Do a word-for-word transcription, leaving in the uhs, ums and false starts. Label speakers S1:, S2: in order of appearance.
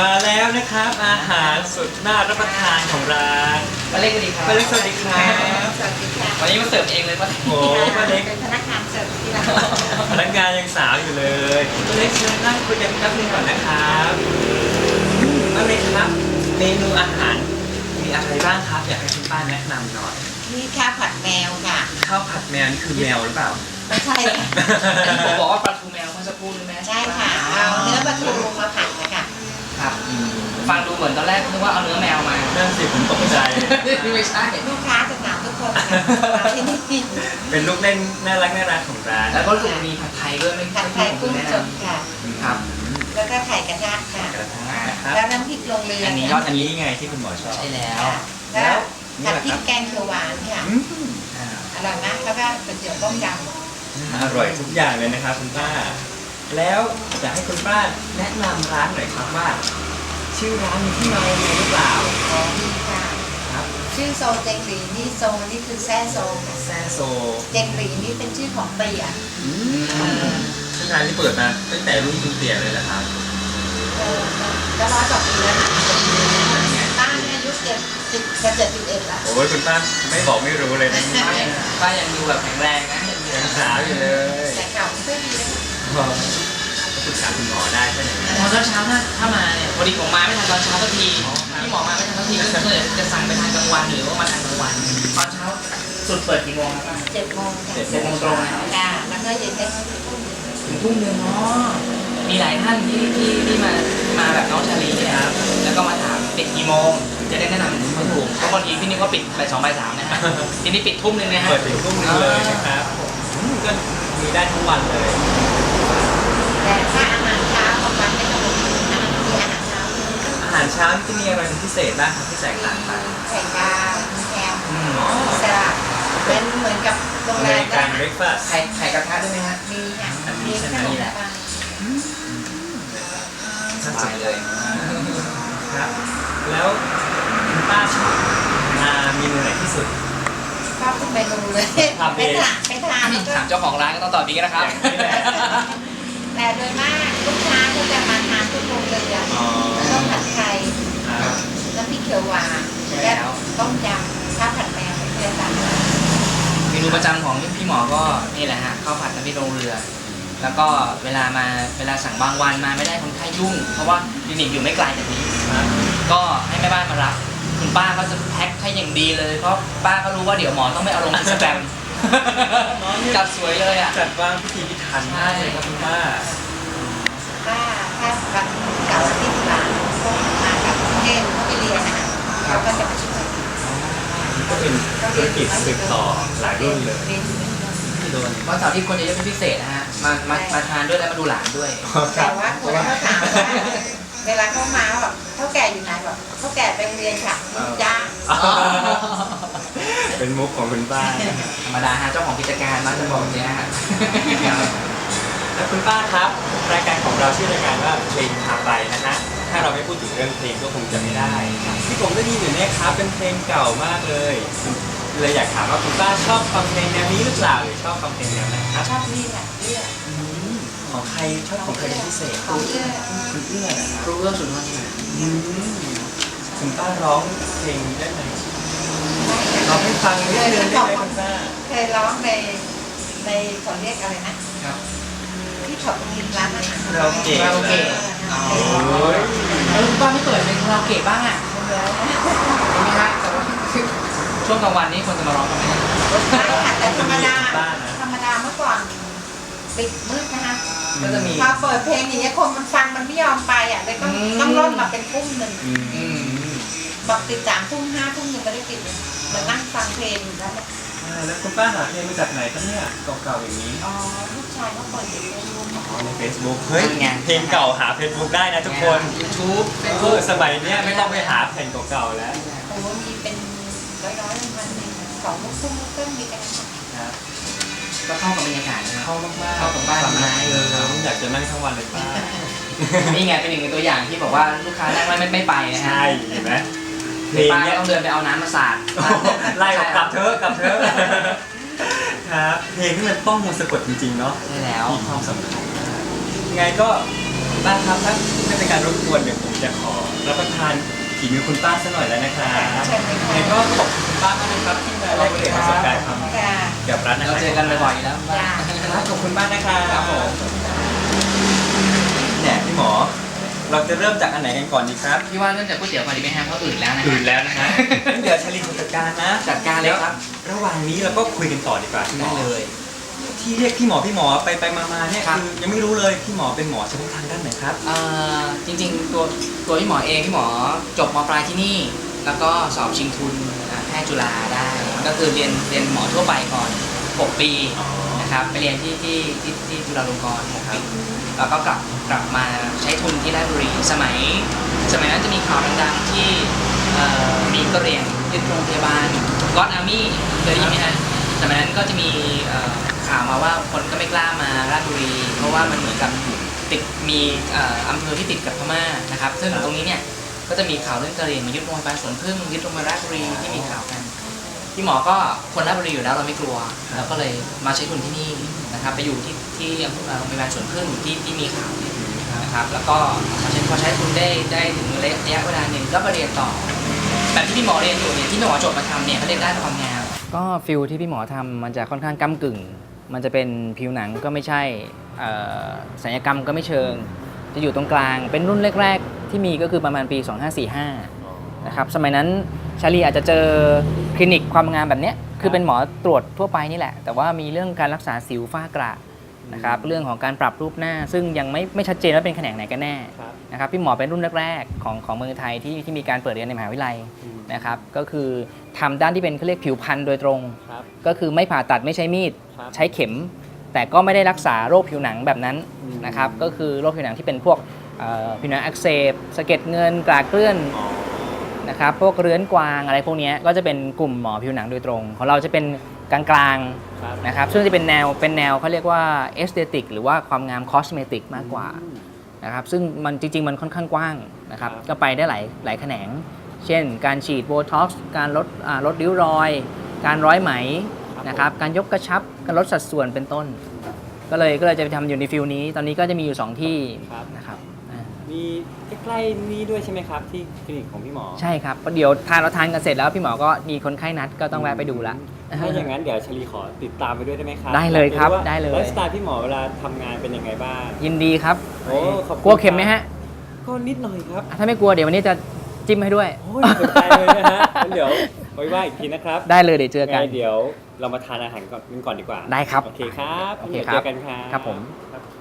S1: มาแล้วนะครับอาหารสุดน่ารับประทานของร้าน
S2: ป้าเล็กสวัสดีครับ
S1: ป้าเล็กสวัสดีครับ
S3: สวัสดีค่ะ
S2: วันนี้มาเสิร์ฟเองเลยป้า
S1: โอ้ป้าเล็ก
S3: เป็นพนักงานเสิร์ฟที่ร้าน
S1: พนักงานยังสาวอยู่เลยป้าเล็กเชิญนั่งคุยกันแป๊บนึงก่อนนะครับป้าเล็กครับเมนูอาหารมีอะไรบ้างครับอยากให้คุณป้าแนะนำหน่อย
S3: นี่ข้าวผัดแมวค่ะ
S1: ข้าวผัดแมวนี่คือแมวหรือเปล่า
S3: ไม่ใช่ค่ะ
S2: อันนี้ผมบอกว่าปลาทูแมวเมื่อสักครู่นี่ไหม
S3: ใช่ค่ะเอาเนื้อปลาทูมาผัดนะคะ
S2: ครับฟังดูเหมือนตอนแรกนึกว่าเอาเนื้อแมวมา
S1: นั่นสิผมตกใจ
S2: ไม่ใช่
S3: ลูกค้าจะถามทุกคนค่ะมาที่นี่
S1: เป็นลูกเล่นน่ารักน่ารักของร้าน
S2: แล้วก็รู้สึกมีผัดไทยด้วยไม่
S3: ผัดไทยกุ้งสดค่ะ
S2: ครับ
S3: แล้วก็ไข่กระทะค่ะ
S1: กระทะนะครับ
S3: แล้วน้ำพริกลงเรือ
S2: อั
S3: อั
S2: นนี้ยอด
S1: อันนี้ไงที่คุณหมอชอบ
S2: ใช่แล้ว
S3: แล้วผัดพริกแกงเขียวหวานค่ะ
S1: อืม
S2: อ่า
S3: อร่อยมากแล้วก็ก๋วยเตี๋ยวต้มยำ
S1: อร่อยทุกอย่างเลยนะครับคุณป้า แล้วอยากให้คุณป้าแนะนำร้านหน่อยครับว่า ชื่อร้านมีที่มายังไงหรือเปล่า
S3: อ๋อดีค่ะ
S1: ครับ
S3: ชื่อโซเจงหลีนี่โซนี่คือแซ่โซค่ะ
S1: แซ่โซ
S3: เจงหลีนี่เป็นชื่อของเปีย
S1: อืมซึ่งร้านที่เปิดมาตั้งแต่รุ่นคุณเตี่ยเลยนะครับ
S3: เออก็ร้อยกว่าปีแล้วนะป้าเนี่ยอายุเจ็ดสิบจะเจ็ดสิบเอ็ดแล้ว
S1: โอ้ยคุณป้าไม่บอกไม่รู้เลยนะ
S2: ป้ายังป้ายังดูแบบแข็งแรงนะ
S1: ยังสาวอยู่เลย
S3: แต่เก่าไม่ค่อยดีนะ
S1: ก็ปรึกษาคุณหมอได้ใช่ไหม
S2: ตอนเช้าถ้าถ้ามาเนี่ยพอดีผมมาไม่ทันตอนเช้าสักทีพี่หมอมาไม่ทันสักทีก็เลยจะสั่งไปทานกลางวันหรือว่ามาทานกลางวันตอนเช้าสุดเปิดกี่โมงครับ
S3: เจ็ดโมงค่ะ
S2: เจ็ดโมงตรงนะ
S3: ค่ะแล้วก็เย็นได้ทุ่ม
S2: ถึงทุ่มหนึ่งเนาะมีหลายท่านที่ที่ที่มามาแบบน้องชาลีเนี่ยครับแล้วก็มาถามปิดกี่โมงจะได้แนะนำเขาถูกเพราะบางทีพี่นึกว่าปิดบ่ายสองบ่ายสามนะฮะทีนี้ปิดทุ่มหนึ่งนะฮะ
S1: เปิดถึงทุ่มหนึงเลยนะครับอืมก็มีได้ทั้งวันเลย
S3: แต่ถ้าอาหารเช้าของวันไม่ต้องมีอาหารมีอาหารเช้า
S1: อาหารเช้านี่จะมีอะไรเป็นพิเศษบ้างครับที่แตกต่างไป
S3: ไข่ดาวแฮม
S1: อืม
S3: สลัดเป็นเหมือนกับโรง
S1: อ
S3: แร
S1: เม
S3: ม
S1: ริกันเบรคฟาสต์
S2: ไข่ไข่กระทะด้วยไหมฮะ
S3: มีค่ะ
S1: อันนี้
S3: มี
S1: ใช่
S3: ข
S1: ไหม
S3: นม
S2: นี่แหละ
S3: ปัง
S2: สบายเลย
S1: ครับ แล้วคุณป้าชอบมาเมนูไหนที่สุด
S3: ชอบทุกเมนูเลย
S1: ทำเอ
S3: ไป
S1: ง
S3: ทานไปทานแล้วก็
S2: ถามเจ้าของร้านก็ต้องตอบนี้นะครับ
S1: นี่แหละ
S3: แต่โดยมากลูกค้าก็จะมาทานทุกโรงเรือ
S1: อ๋อ
S3: ต้มผัดไทย
S1: ครับ
S3: น้ำพริกเขียวหวาน
S2: ใช่แล้
S3: และ
S2: ว
S3: ต้มยำข้าวผัดแมวเพื่อนกัน
S2: เมนูประจำของพี่หมอก็นี่แหละฮะข้าวผัดน้ำพริกลงเรือ แล้วก็เวลามาเวลาสั่งบางวันมาไม่ได้คนไข้ยุ่ง เพราะว่าคลินิกอยู่ไม่ไกลจากนี้
S1: ครับ
S2: ก็ให้แม่บ้านมารับคุณป้าก็จะแพ็คให้อย่างดีเลย เพราะป้าก็รู้ว่าเดี๋ยวหมอต้องไม่เอาลงอินสตาแกรมจัดสวยเลยอ่ะ
S1: จัดวางพิธีพิถันมากเลยครับคุณป้า
S3: ถ้าถ้าวันเสาร์อาทิตย์หลังก็มากับกรุงเทพเขาไปเรียนนะคะเขาก็จะมาช่วย
S1: นี่ก็เป็นธุรกิจสืบต่อหลายรุ่นเลย
S3: รีนอยู่
S1: ที่โดน
S2: วันเสาร์ที่คนจะเยอะเป็นพิเศษนะฮะมามามาทานด้วยแล้วมาดูหลานด้วย
S3: แต่ว่าคนเขาถามว่าเวลาเขามาแบบเท่าแก่อยู่ไหนแบบเท่าแก่ไปเรียนค่ะจ้า
S1: เป็นมุกของคุณป้า
S2: ธรรมดาฮะเจ้าของกิจการมักจะบอกอย่างเงี้ยฮะ
S1: แล้วคุณป้าครับ รายการของเราชื่อรายการว่าเพลงพาไปนะฮะถ้าเราไม่พูดถึงเรื่องเพลงก็คงจะไม่ได้ที่ผมได้ยินอยู่เนี่ยครับเป็นเพลงเก่ามากเลยเลยอยากถามว่าคุณป้าชอบฟังเพลงแนวนี้หรือเปล่าหรือชอบฟังเพลงแนวไหนครับ
S3: ชอบนี่แหละเอื้อ
S1: อืมของใครชอบของใครเป็นพิเศษ
S3: ของเอื้อ
S1: คุณเอื้อนะครับ
S2: รู้เรื่องสุนทรภา
S1: อืมคุณป้าร้องเพลงได้ไหมร้องให้ฟังนิดนึงได้ไหมคุณป้า
S3: เคยร้องในในเขาเรียกอะไรนะครับ ที่ช็อปริมร้านอาหาร
S1: เราเก่ง
S2: คาราโอเกะ
S3: อ๋อ
S1: โอ้ย
S2: แล้วคุณป้าไม่เปิดเป็นคาราโอเกะบ้างอ่ะ
S3: แล้ว
S2: เห็นไหมฮะแต่ว่าช่วงกลางวันนี้คนจะมาร้องกันไหม
S3: ไม่ค่ะแต่ธรรมดาธรรมดาเมื่อก่อนปิดมืดนะคะ
S2: ก็จะมี
S3: พอเปิดเพลงอย่างเงี้ยคนมันฟังมันไม่ยอมไปอ่ะเลยต้องต้องร่นมาเป็นทุ่มหนึ่ง
S1: อืม
S2: อืม
S3: บอกติดสามทุ่มห้าทุ่มหนึ่งไม่ได้ติดเลยมานั่งฟังเพลงอยู่แล้ว
S1: อ่าแล้วคุณป้าหาเพลงมาจากไหนครับเนี่ยเก่าๆอย่างนี้
S3: อ๋อลูกชายเขาเปิดอยู่ในรูม
S1: อ๋อใน Facebook เฮ้ยเพลงเก่าหา Facebook ได้นะทุกคน
S2: ยูทูบเฟซ
S1: เอ
S2: บุ๊
S1: อก สมัยเนี้ยไม่ต้องไปหาเพลงเก่าๆแล้ว
S3: โอ้โหมีเป็นร้อยร้อยๆพันหนึ่งสองลูกทุ่งลูกเต้นมีกันหมด
S1: ครับ
S2: ก็เข้ากับบรรยากาศนะครับ
S1: เข้ามากๆ
S2: เข้ากับบ้าน
S1: ฟัง
S2: ไม้
S1: เอออยากจะนั่งทั้งวันเลยป้า
S2: นี่ไงเป็นหนึ่งในตัวอย่างที่บอกว่าลูกค้านั่งไม่ไม่ไม่ไปนะฮะ
S1: ใช่เห็นไหมเพลง
S2: ป้า
S1: เนี้
S2: ก็
S1: ย
S2: ต้องเดินไปเอาน้ำมาสาด
S1: ไล่ออกกลับเถอะกลับเถอะครับเพลงที่มันต้องมนต์สะกดจริงๆเนาะ
S2: ใช่แล้ว
S1: มีความสำคัญมากยังไงก็คุณป้าครับถ้าไม่เป็นการรบกวนเดี๋ยวผมจะขอรับประทานฝีมือคุณป้าสักหน่อยแล้วนะครับ
S3: เชิญเลยค่ะ
S1: ยังไงก็ขอบคุณคุณป้ามากนะครับที่มาแลกเปลี่ยนประสบการณ์ความ
S3: ค่ะ
S1: เกี่ยวกับร้านอา
S2: เรา
S1: หาร
S2: เจอกันบ่อยๆอยู่แล้ว
S3: จ้า
S1: ครับขอบคุณมากนะครับ
S2: ครับผม
S1: เนี่ยพี่หมอ เราจะเริ่มจากอันไหนกันก่อนดีครับ
S2: พี่ว่าเริ่มจากก๋วยเตี๋ยวก่อนดีไหมฮะเพราะอื่นแล้วนะ
S1: อื่นแล้วนะฮะเดี๋ยวชลินจัดการนะ
S2: จัดการเลยครับ
S1: ระหว่างนี้เราก็คุยกันต่อดีกว่าพี่หม
S2: ได้
S1: อ
S2: เลย
S1: ที่เรียกพี่หมอพี่หมอไปไปมามาเนี่ย
S2: ครับ
S1: คือยังไม่รู้เลยพี่หมอเป็นหมอเฉพาะทางด้านไหนครับ
S2: เอ่อจริงๆตัวตัวพี่หมอเองพี่หมอจบมปลายที่นี่ แล้วก็สอบชิงทุนอ่าแพทย์จุฬาได้ ก็คือเรียนเรียนหมอทั่วไปก่อนหกปีนะครับไปเรียนที่ที่ที่ที่จุฬาลงกรณ์หกปีแล้วก็กลับกลับมาใช้ทุนที่ราชบุรีสมัย สมัยนั้นจะมีข่าวดังๆที่เอ่อมีกระเหรี่ยงยึดโรงพยาบาลก็อดอาร์มี่เคยได้ยินไหมฮะสมัยนั้นก็จะมีเอ่อข่าวมาว่าคนก็ไม่กล้ามาราชบุรี เพราะว่ามันเหมือนกับติดมีเอ่ออำเภอที่ติดกับพม่านะครับซึ่งตรงนี้เนี่ยก็จะมีข่าวเรื่องกระเหรี่ยงมายึดโรงพยาบาลสวนพึ่งยึดโรงพยาบาลราชบุรีที่มีข่าวกันพี่หมอก็คนราชบุรีอยู่แล้วเราไม่กลัวเราก็เลยมาใช้ทุนที่นี่นะครับไปอยู่ที่ที่โรงพยาบาลสวนพึ่งที่ที่มีข่าวเนี่ยนะครับแล้วก็พอใช้พอใช้ทุนได้ได้ถึงระยะเวลาหนึ่งก็มาเรียนต่อแบบที่พี่หมอเรียนอยู่เนี่ยที่พี่หมอจบมาทำเนี่ยเขาเรียนด้านความงามก็ฟิลที่พี่หมอทำมันจะค่อนข้างก้ากึ่ง มันจะเป็นผิวหนังก็ไม่ใช่เอ่อศัลยกรรมก็ไม่เชิง จะอยู่ตรงกลางเป็นรุ่นแรกๆที่มีก็คือประมาณปี สองห้าสี่ห้า นะครับสมัยนั้นชาลีอาจจะเจอคลินิกความงามแบบเนี้ยคือเป็นหมอตรวจทั่วไปนี่แหละ แต่ว่ามีเรื่องการรักษาสิวฝ้ากระนะครับเรื่องของการปรับรูปหน้า ซึ่งยังไม่ไม่ชัดเจนว่าเป็นแขนงไหนกันแน่นะครับพี่หมอเป็นรุ่นแรกๆของของเมืองไทยที่ที่มีการเปิดเรียนในมหาวิทยาลัยนะครับก็คือทำด้านที่เป็นเขาเรียกผิวพรรณโดยตรง ก็คือไม่ผ่าตัดไม่ใช้มีดใช้เข็ม แต่ก็ไม่ได้รักษาโรคผิวหนังแบบนั้นนะครับก็คือโรคผิวหนังที่เป็นพวกเอ่อผิวหนังอักเสบสะเก็ดเงินกลากเกลื่อนนะครับพวกเรื้อนกวางอะไรพวกนี้ก็จะเป็นกลุ่มหมอผิวหนังโดยตรงของเราจะเป็นกลางๆนะครับซึ่งจะเป็นแนวเป็นแนวเขาเรียกว่าเอสเตติกหรือว่าความงามคอสเมติกมากกว่านะครับซึ่งมันจริงๆมันค่อนข้างกว้างนะครับก็ไปได้หลายหลายแขนง เช่น การฉีดโบท็อกซ์การลดอ่าลดริ้วรอย การร้อยไหมนะครับการยกกระชับการลดสัดส่วนเป็นต้น ก็เลยก็เลยจะไปทำอยู่ในฟิลนี้ ตอนนี้ก็จะมีอยู่สองที่นะครับอ่า
S1: มีใกล้ๆนี่ด้วยใช่ไหมครับที่คลินิกของพี่หมอ
S2: ใช่ครับเพราะเดี๋ยวทานเราทานกันเสร็จแล้วพี่หมอก็มีคนไข้นัดก็ต้องแวะไปดูละ
S1: ถ้าอย่างนั้นเดี๋ยวชลีขอติดตามไปด้วยได้ไหมครับ
S2: ได้เลยครับ
S1: อยาก
S2: ได้เลย
S1: ไลฟ์สไตล์พี่หมอเวลาทำงานเป็นยังไงบ้าง
S2: ยินดีครับ
S1: โอ้ขอบคุณ
S2: กลัวเข็มไหมฮะ
S1: ก็นิดหน่อยครับ
S2: อ่ะถ้าไม่กลัวเดี๋ยววันนี้จะจิ้มให้ด้วย
S1: โอ้ยสนใจเลยนะฮะงั้นเดี๋ยวไว้ว่าอีกทีนะครับ
S2: ได้เลยเดี๋ยวเจอกัน
S1: ไงเดี๋ยวเรามาทานอาหารก่อนกันก่อนดีกว่า
S2: ได้ครับ
S1: โอเคครับ
S2: โอเค
S1: ดี๋ยว
S2: ครับ
S1: เจอกันครับ
S2: ครับผม
S1: ครับ